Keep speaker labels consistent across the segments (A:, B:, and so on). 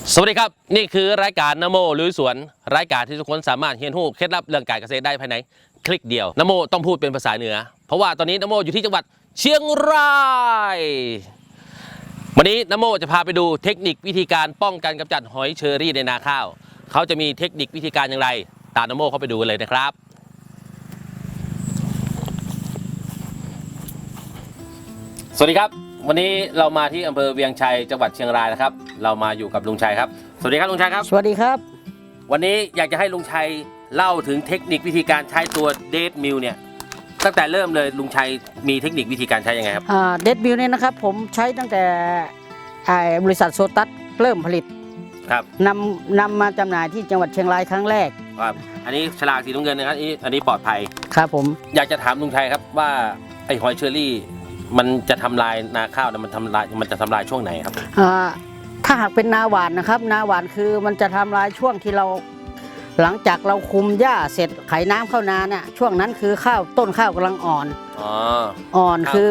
A: สวัสดีครับนี่คือรายการนโมลุยสวนรายการที่ทุกคนสามารถเรียนรู้เคล็ดลับเรื่องการเกษตรได้ภายในคลิกเดียวนโมต้องพูดเป็นภาษาเหนือเพราะว่าตอนนี้นโมอยู่ที่จังหวัดเชียงรายวันนี้นโมจะพาไปดูเทคนิควิธีการป้องกันกำจัดหอยเชอรี่ในนาข้าวเขาจะมีเทคนิควิธีการอย่างไรตามนโมเข้าไปดูกันเลยนะครับสวัสดีครับวันนี้เรามาที่อำเภอเวียงชัยจังหวัดเชียงรายนะครับเรามาอยู่กับลุงชัยครับสวัสดีครับลุงชัยครับ
B: สวัสดีครับ
A: วันนี้อยากจะให้ลุงชัยเล่าถึงเทคนิควิธีการใช้ตัวเดทมิลเนี่ยตั้งแต่เริ่มเลยลุงชัยมีเทคนิควิธีการใช้ยังไงครับ
B: เดทมิลเนี่ยนะครับผมใช้ตั้งแต่บริษัทโซตัสเริ่มผลิต
A: ครับ
B: นำมาจำหน่ายที่จังหวัดเชียงรายครั้งแรก
A: ครับอันนี้ฉลากสีน้ำเงินนะครับอันนี้ปลอดภัย
B: ครับผม
A: อยากจะถามลุงชัยครับว่าไอหอยเชอรี่มันจะทำลายนาข้าวมันจะทำลายช่วงไหนครับ
B: ถ้าหากเป็นนาหวานนะครับนาหวานคือมันจะทำลายช่วงที่เราหลังจากเราคุมหญ้าเสร็จไขน้ำเข้านาเนี่ยช่วงนั้นคือข้าวต้นข้าวกำลังอ่อนอ่อนคือ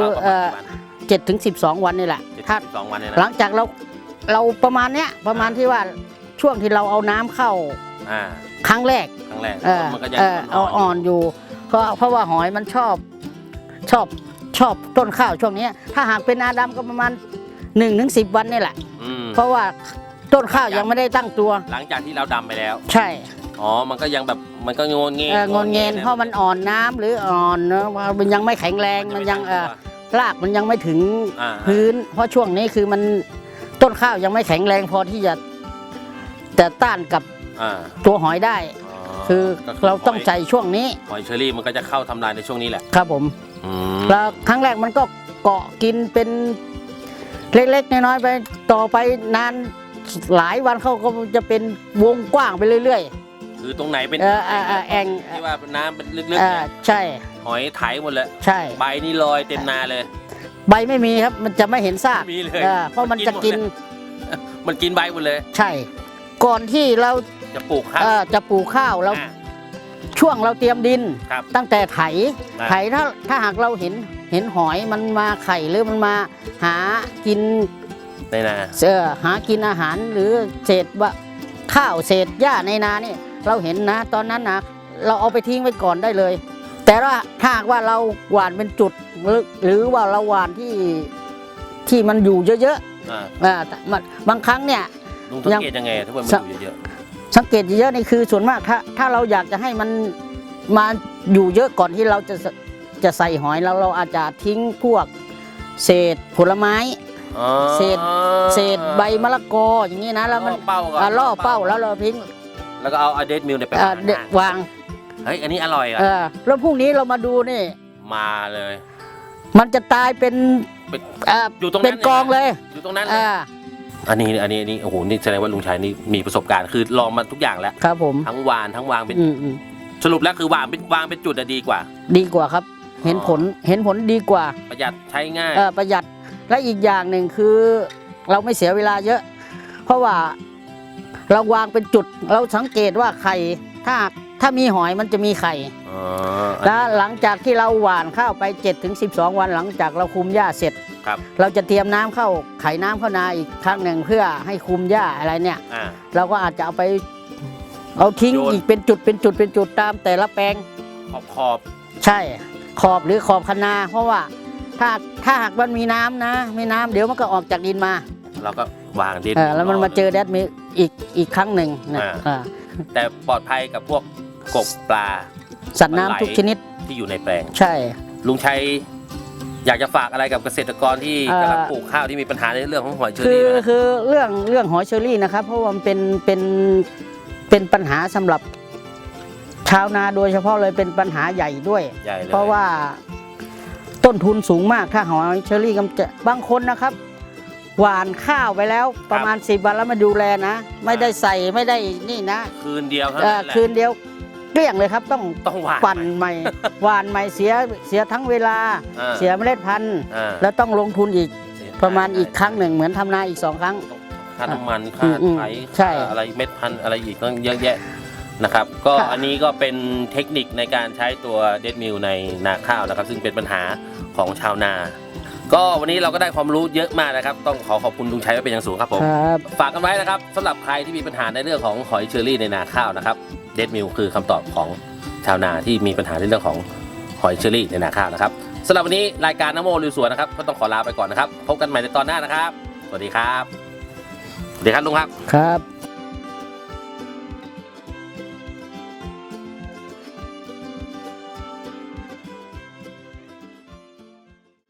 B: 7-12 วันนี่แหละถ้าหลังจากเราประมาณเนี้ยประมาณที่ว่าช่วงที่เราเอาน้ำเข้าครั้งแรก
A: มันก็ยัง
B: อ่อนอยู่เพราะว่าหอยมันชอบต้นข้าวช่วงนี้ถ้าหากเป็นนาดำก็ประมาณ1-10 วันนี่แหละเพราะว่าต้นข้าวยังไม่ได้ตั้งตัว
A: หลังจากที่เราดำไปแล้ว
B: ใช่
A: มันก็ยังแบบมันก็งนเ
B: งนเพราะมันอ่อนน้ำหรืออ่อนเนาะมันยังไม่แข็งแรงมันยังรากมันยังไม่ถึงพื้นเพราะช่วงนี้คือมันต้นข้าวยังไม่แข็งแรงพอที่จะต้านกับตัวหอยได้คือเราต้องใจช่วงนี้
A: หอยเชอรี่มันก็จะเข้าทำลายในช่วงนี้แหละ
B: ครับผมแล้วครั้งแรกมันก็เกาะกินเป็นเล็กๆน้อยๆไปต่อไปนานหลายวันเขาก็จะเป็นวงกว้างไปเรื่อย
A: ๆคือตรงไหนเป็น
B: แอ่ง
A: ที่ว่าน้ำเป็นลึก
B: ๆใช่
A: หอยไถหมดเลย
B: ใช่
A: ใบนี่ลอยเต็มนาเลย
B: ใบไม่มีครับมันจะไม่เห็นซากเพราะมันจะกิน
A: ใบหมดเลย
B: ใช่ก่อนที่เรา
A: จะปลูกข้
B: าวเราช่วงเราเตรียมดินตั้งแต่ไถถ้าหากเราเห็นหอยมันมาไข่หรือมันมาหากิน
A: ในนา
B: หากินอาหารหรือเศษข้าวเศษหญ้าในนานี่เราเห็นนะตอนนั้นนะเราเอาไปทิ้งไว้ก่อนได้เลยแต่ว่าถ้าหากว่าเราหว่านเป็นจุดหรือว่าเราหว่านที่มันอยู่เยอะๆบางครั้งเนี่ย
A: ลุงสังเกตยังไงถ้ามันอยู่เยอะ
B: สังเกตเยอะๆนี่คือส่วนมากถ้าเราอยากจะให้มันมาอยู่เยอะก่อนที่เราจะใส่หอยเราอาจจะทิ้งพวกเศษผลไม้เศษใบมะละกออย่างนี้นะแล้วมันล่อเป้าแล้วเราทิ้ง
A: แล้วก็เอาเดทมิลเนี่ยไป
B: วาง
A: เฮ้ยอันนี้อร่อยอ่ะ
B: แล้วพรุ่งนี้เรามาดูนี่
A: มาเลย
B: มันจะตายเป็น
A: อยู่ตรงนั้น
B: เป็นกองเลย
A: อยู่ตรงนั้นอันนี้โอ้โหนี่แสดงว่าลุงชัยนี่มีประสบการณ์คือลองมาทุกอย่างแล้ว
B: ครับผม
A: ทั้งวางเป็นสรุปแล้วคือวางเป็นจุดดีกว่า
B: ครับเห็นผลดีกว่า
A: ประหยัดใช้ง่าย
B: ประหยัดและอีกอย่างหนึ่งคือเราไม่เสียเวลาเยอะเพราะว่าเราวางเป็นจุดเราสังเกตว่าไข่ถ้ามีหอยมันจะมีไข่แล้วหลังจากที่เราหว่านข้าวไป7-12 วันหลังจากเราคุมหญ้าเสร็จเราจะเตรียมน้ำเข้าไขน้ำเข้านาอีกครั้งหนึ่งเพื่อให้คุมหญ้าอะไรเนี่ยเราก็อาจจะเอาทิ้งอีกเป็นจุดตามแต่ละแปลง
A: ขอบ
B: ใช่ขอบหรือขอบคะนาเพราะว่าถ้าหากมันมีน้ำนะไม่น้ำเดี๋ยวมันก็ออกจากดินมา
A: เราก็วางดิน
B: แล้วมันมาเจอแดดมีอีกครั้งหนึ่งนะ
A: แต่ปลอดภัยกับพวกกบปลา
B: สัตว์น้ำทุกชนิด
A: ที่อยู่ในแปลง
B: ใช่
A: ลุงชัยอยากจะฝากอะไรกับเกษตรกรที่กำลังปลูกข้าวที่มีปัญหาในเรื่องของหอยเชอรี่
B: คือเรื่องหอยเชอรี่นะครับเพราะว่ามันเป็นปัญหาสำหรับชาวนาโดยเฉพาะเลยเป็นปัญหาใหญ่ด้วยเพราะว่าต้นทุนสูงมากถ้าหอยเชอรี่กำจัดบางคนนะครับหว่านข้าวไปแล้วประมาณ10 วันแล้วมาดูแลนะไม่ได้ใส่ไม่ได้นี่นะ
A: คืนเดียว
B: คืนเดียวเกลี้ยงเลยครับต้องปั่นใหม่หว่านใหม่เสียทั้งเวลาเสียเมล็ดพันธุ์แล้วต้องลงทุนอีกประมาณอีกครั้งหนึ่งเหมือนทำนาอีก2 ครั้ง
A: ค่าน้ำมันค่าไถอะไรเม็ดพันธุ์อะไรอีกต้องเยอะแยะนะครับก็อันนี้ก็เป็นเทคนิคในการใช้ตัวเดทมิลในนาข้าวนะครับซึ่งเป็นปัญหาของชาวนาก็วันนี้เราก็ได้ความรู้เยอะมากนะครับต้องขอบคุณลุงชัยไว้เป็นอย่างสูงครับผม
B: ครับ
A: ฝากกันไว้นะครับสำหรับใครที่มีปัญหาในเรื่องของหอยเชอรี่ในนาข้าวนะครับเดดมิลคือคำตอบของชาวนาที่มีปัญหาในเรื่องของหอยเชอรี่ในนาข้าวนะครับสำหรับวันนี้รายการน้ำโมลุยสวนนะครับก็ต้องขอลาไปก่อนนะครับพบกันใหม่ในตอนหน้านะครับสวัสดีครับสวัสดีครับลุงครับ
B: ครับ